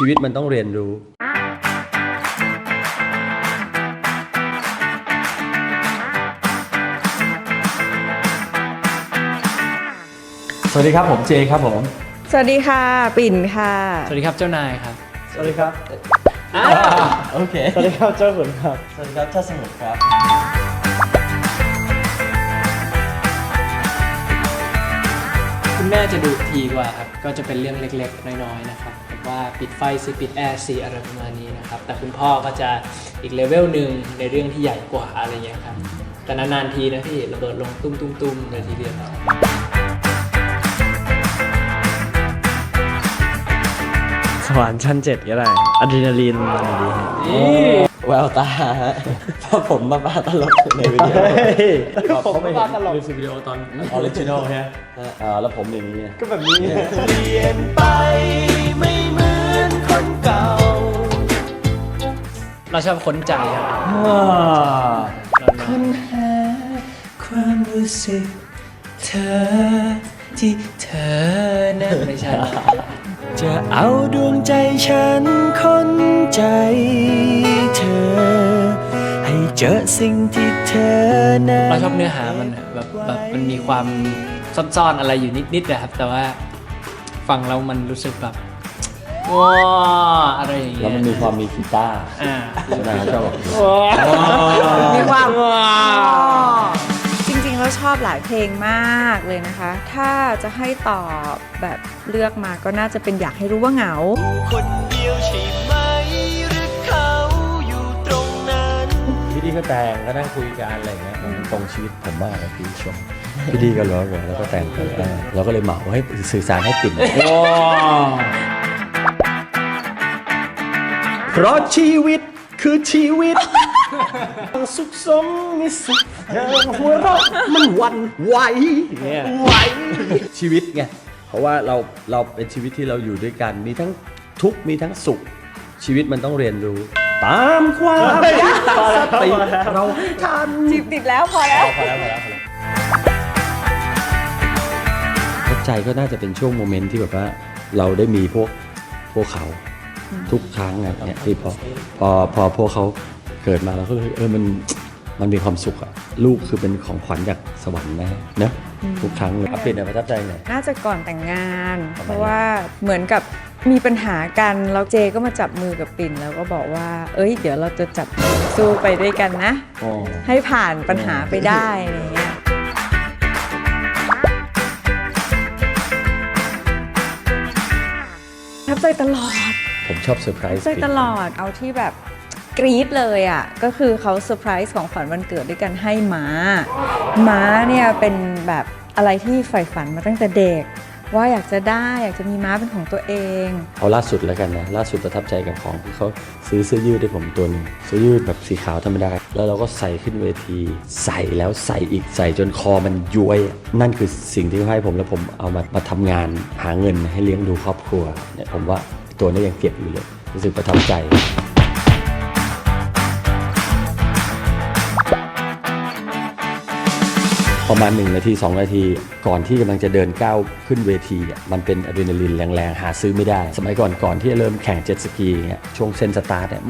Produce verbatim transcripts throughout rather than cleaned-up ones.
ชีวิตมันต้องเรียนรู้สวัสดีครับผมเจครับผมสวัสดีค่ะปิ่นค่ะสวัสดีครับเจ้านายครับสวัสดีครับโอเคสวัสดีครับเจ้าขุนครับสวัสดีครับเจ้าสมุทรครับคุณแม่จะดุทีกว่าครับก็จะเป็นเรื่องเล็กๆน้อยๆนะครับแบบว่าปิดไฟสิปิดแอร์สิอะไรประมาณนี้นะครับแต่คุณพ่อก็จะอีกเลเวลหนึ่งในเรื่องที่ใหญ่กว่าอะไรเงี้ยครับแต่นานๆทีนะพี่ระเบิดลงตุ้มๆๆเลยทีเดียวสวรรค์ชั้นเจ็ดก็ได้อะดรีนาลีนอะไรดีแววตาฮะเพราะผมมาบ้าตลกในวิดีโอผมมาบ้าตลกในวิดีโอตอนออริจินอลใช่ไหมอ่าแล้วผมอย่างนี้ก็แบบนี้เปลี่ยนไปไม่เหมือนคนเก่าเราชอบค้นใจครับค้นหาความรู้สึกเธอที่เธอนั้นไม่ใช่จะเอาดวงใจฉันค้นใจเธอให้เจอสิ่งที่เธอนั้นเราชอบเนื้อหามันแบบแบบมันมีความซ่อนๆอะไรอยู่นิดๆนะครับแต่ว่าฟังแล้วมันรู้สึกแบบว้าอะไรอย่างเงี้ยแล้วมันมีความมีกีตาร์อ่านะชอบมีความจริงๆแล้วชอบหลายเพลงมากเลยนะคะถ้าจะให้ตอบแบบเลือกมาก็น่าจะเป็นอยากให้รู้ว่าเหงาคนเดียวใช่ไหมหรือเขาอยู่ตรงนั้นพี่ดีก็แต่งก็นั่งคุยกันอะไรอย่างเงี้ยมันตรงชีวิตผมมากเลยพี่ชมพี่ดีก็ร้องแล้วก็แต่งกันเราก็เลยเหมาให้สื่อสารให้ปิ่นเพราะชีวิตคือชีวิตสุขสมมีสุขหัวเราะมันวันไหวไหวชีวิตไงเพราะว่าเราเราเป็นชีวิตที่เราอยู่ด้วยกันมีทั้งทุกข์มีทั้งสุขชีวิตมันต้องเรียนรู้ตามความสติเราให้ทันจีบติดแล้วพอแล้วพอแล้วพอแล้วพอแล้วเข้าใจก็น่าจะเป็นช่วงโมเมนต์ที่แบบว่าเราได้มีพวกพวกเขาทุกครั้งอ่ะเนี่ยที่พอพอพอพวกเขาเกิดมาเราก็เลยเออมันมันมีความสุขอ่ะลูกคือเป็นของขวัญจากสวรรค์นะเนอะทุกครั้งเลยอัปเดตในประทับใจหน่อยน่าจะก่อนแต่งงานเพราะว่าเหมือนกับมีปัญหากันแล้วเจก็มาจับมือกับปิ่นแล้วก็บอกว่าเอ้ยเดี๋ยวเราจะจับมือสู้ไปด้วยกันนะให้ผ่านปัญหาไปได้อะไรเงี้ยประทับใจตลอดผมชอบเซอร์ไพรส์ใจตลอดเอาที่แบบกรี๊ดเลยอ่ะก็คือเขาเซอร์ไพรส์ของขวัญวันเกิดด้วยกันให้ม้าม้าเนี่ยเป็นแบบอะไรที่ใฝ่ฝันมาตั้งแต่เด็กว่าอยากจะได้อยากจะมีม้าเป็นของตัวเองเอาล่าสุดแล้วกันนะล่าสุดประทับใจกับของที่เขาซื้อเสื้อยืดให้ผมตัวนึงเสื้อยืดแบบสีขาวธรรมดาแล้วเราก็ใส่ขึ้นเวทีใส่แล้วใส่อีกใส่จนคอมันย้วยนั่นคือสิ่งที่เขาให้ผมแล้วผมเอามามาทำงานหาเงินให้เลี้ยงดูครอบครัวเนี่ยผมว่าตัวนี้ยังเก็บอยู่เลยรู้สึกประทับใจประมาณหนึ่งนาทีสองนาทีก่อนที่กำลังจะเดินก้าวขึ้นเวทีมันเป็นอะดรีนาลีนแรงๆหาซื้อไม่ได้สมัยก่อนก่อนที่จะเริ่มแข่งเจ็ตสกีเนี่ยช่วงเส้นสตาร์ทเนี่ย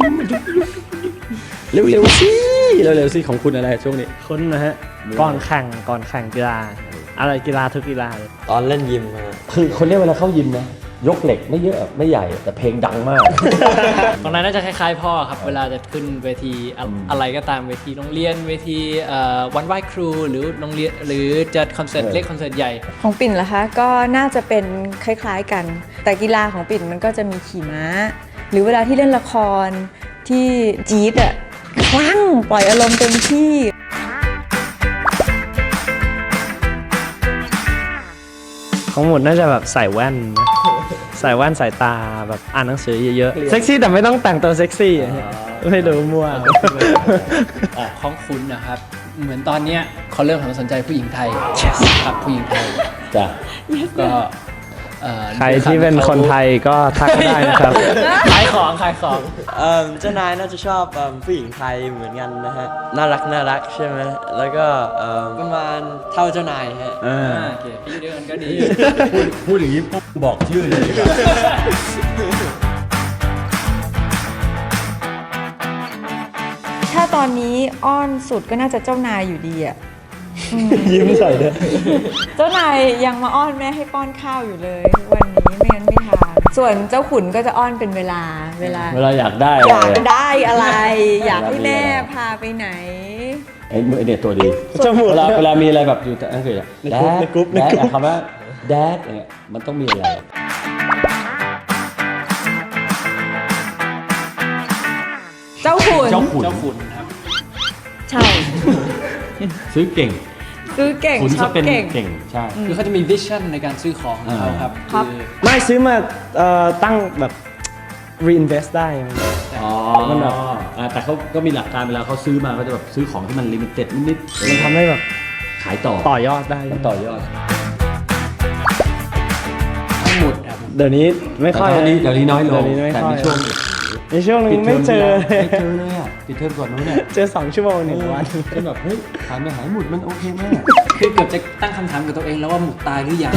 เร็วๆสิเร็วๆสิของคุณอะไรช่วงนี้คุณนะฮะก่อนแข่งก่อนแข่งกีฬาอะไรกีฬาทุกกีฬาตอนเล่นยิมคือคนเรียกเวลาเข้ายิมนะยกเหล็กไม่เยอะไม่ใหญ่แต่เพลงดังมากตรงนั้นน่าจะคล้ายๆพ่อครับเวลาจะขึ้นเวทีอะไรก็ตามเวทีโรงเรียนเวทีวันไหว้ครูหรือโรงเรียนหรือจะคอนเสิร์ตเล็กคอนเสิร์ตใหญ่ของปิ่นล่ะคะก็น่าจะเป็นคล้ายๆกันแต่กีฬาของปิ่นมันก็จะมีขี่ม้าหรือเวลาที่เล่นละครที่จี๊ดอ่ะคลั่งปล่อยอารมณ์เต็มที่ของหมดน่าจะแบบใส่แว่นใส่แว่นสายตาแบบอ่านหนังสือเยอะๆเซ็กซี่แต่ไม่ต้องแต่งตัวเซ็กซี่ไม่รู้มั่วของคุณนะครับเหมือนตอนนี้เขาเริ่มหันมาสนใจผู้หญิงไทยครับผู้หญิงไทยจ้ะก็ใครที่เป็นคนไทยก็ทักได้นะครับขายของขายของเจ้านายน่าจะชอบผู้หญิงไทยเหมือนกันนะฮะน่ารักน่ารักใช่ไหมแล้วก็ประมาณเท่าเจ้านายฮะโอเคพี่เดียวกันก็ดีพูดอย่างนี้บอกชื่อเลยดีกว่าอนนี้อ้อนสุดก็น่าจะเจ้านายอยู่ดีอะยิ้มใส่เลยเจ้านายยังมาอ้อนแม่ให้ป้อนข้าวอยู่เลยทุกวันนี้ไม่งั้นไม่ทานส่วนเจ้าขุนก็จะอ้อนเป็นเวลาเวลาเวลาอยากได้อยากได้อะไร อยากให้แม่พาไปไหนไอ้ไอ้เนี่ยตัวดีจมูกเวลาเวลามีอะไรแบบอยู่แต่อังกฤษอะในกรุ๊ปในกรุ๊ปในแดดกรุ๊ปคำว่าแดดเนี่ยมันต้องมีอะไรเจ้าขุนเจ้าขุนเจ้าขุนครับใช่ซื้อเก่งซื้อเก่งขุนชอจะบเป็นเก่งเก่งใช่คือเขาจะมีวิชั่นในการซื้อของของเขาครับครับคือไม่ซื้อมาเอ่อตั้งแบบ reinvest ได้อ๋อมันแบบอ่าแต่เขาก็มีหลักการเวลาเขาซื้อมาเขาจะแบบซื้อของที่มันลิมิเต็ดนิดๆมันทำให้แบบขายต่อต่อยอดได้มันต่อยอดทั้งหมดครับเดี๋ยวนี้ไม่ค่อยแต่ตอนนี้เดี๋ยวนี้น้อยลงเดี๋ยวนี้ไม่แต่ค่อในยช่วงในช่วงนึงไม่เจอเลยไม่เจอเลยอ่ะปิดเทอมก่อนนู้นเนี่ยเจอสองชั่วโมงหนึ่งวันจนแบบเฮ้ยหายไปหายหมุดมันโอเคไหมอะคือเกือบจะตั้งคำถามกับตัวเองแล้วว่าหมุดตายหรือยัง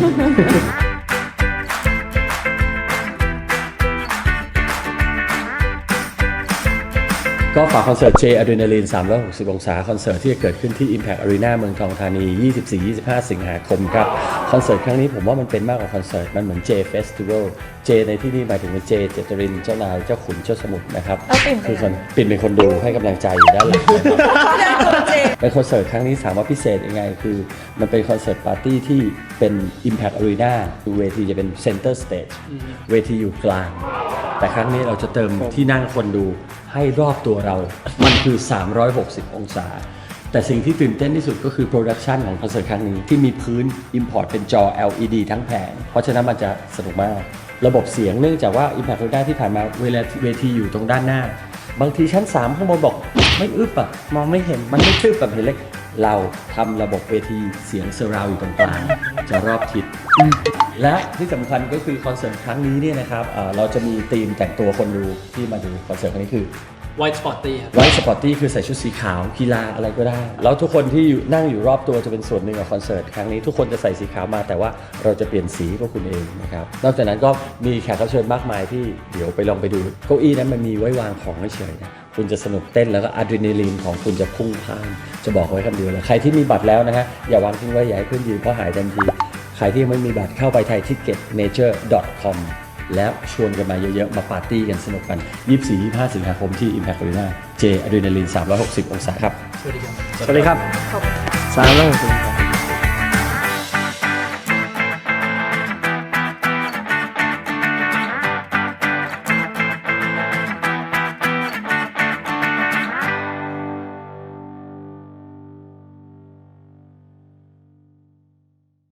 ก็ฝากคอนเสิร์ต J Adrenaline สามร้อยหกสิบ องศาคอนเสิร์ตที่จะเกิดขึ้นที่ Impact Arena เมืองทองธานี ยี่สิบสี่ ยี่สิบห้า สิงหาคมครับ คอนเสิร์ตครั้งนี้ผมว่ามันเป็นมากกว่าคอนเสิร์ต มันเหมือน J Festival J ในที่นี่หมายถึงเป็น J เจตรินเจ้านายเจ้าขุนเจ้าสมุทรนะครับเอาปิ่นไปคือคนปิ่นเป็นคนดูให้กำลังใจอยู่ด้านหลังนะครับเจเป็นคอนเสิร์ตครั้งนี้ถามว่าพิเศษยังไง คือมันเป็นคอนเสิร์ตปาร์ตี้ที่เป็น Impact Arena คือเวทีจะเป็น Center Stage เวทีอยู่กลาง แต่ครั้งนี้เราจะเติมที่นั่งคนดูให้รอบตัวเรา มันคือ สามร้อยหกสิบ องศา แต่สิ่งที่ตื่นเต้นที่สุดก็คือโปรดักชันของคอนเสิร์ตครั้งนี้ที่มีพื้น Import เป็นจอ แอล อี ดี ทั้งแผง เพราะฉะนั้นมันจะสนุกมาก ระบบเสียงเนื่องจากว่า Impact Arena ที่ผ่านมาเวลาเวทีอยู่ตรงด้านหน้า บางทีชั้นสามข้างบนบอกไม่อึบอ่ะมองไม่เห็นมันไม่ทึบแบบเห็นเล็ก เราทำระบบเวทีเสียงเซอร์ราวอยู่ตรงกลาง จะรอบทิศ และที่สำคัญก็คือคอนเสิร์ตครั้งนี้เนี่ยนะครับเอ่อเราจะมีธีมแต่งตัวคนดูที่มาดูคอนเสิร์ตครั้งนี้คือ White Spotty ครับไวท์สปอร์ตี้คือใส่ชุดสีขาวกีฬาอะไรก็ได้ แล้วทุกคนที่อยู่นั่งอยู่รอบตัวจะเป็นส่วนหนึ่งของคอนเสิร์ตครั้งนี้ทุกคนจะใส่สีขาวมาแต่ว่าเราจะเปลี่ยนสีพวกคุณเองนะครับนอกจากนั้นก็มีแขกรับเชิญมากมายที่เดี๋ยวไปลองไปดูเก้าอี้นั้นมันมีไว้วางของเฉยๆนะคุณจะสนุกเต้นแล้วก็อะดรีนาลีนของคุณจะพุ่งพล่านจะบอกไว้คำเดียวเลยใครที่มีบัตรแล้วนะฮะอย่าวางทิ้งไว้อย่าให้เพื่อนยืมเพราะหายทันทีใครที่ยังไม่มีบัตรเข้าไปไทยทิกเก็ตเมเจอร์ ดอท คอม แล้วชวนกันมาเยอะๆ มาปาร์ตี้กันสนุกกัน ยี่สิบสี่ ยี่สิบห้า สิงหาคมที่ Impact Arena J Adrenaline สามร้อยหกสิบ องศาครับสวัสดีครับสวัสดีครับสามร้อยหกสิบ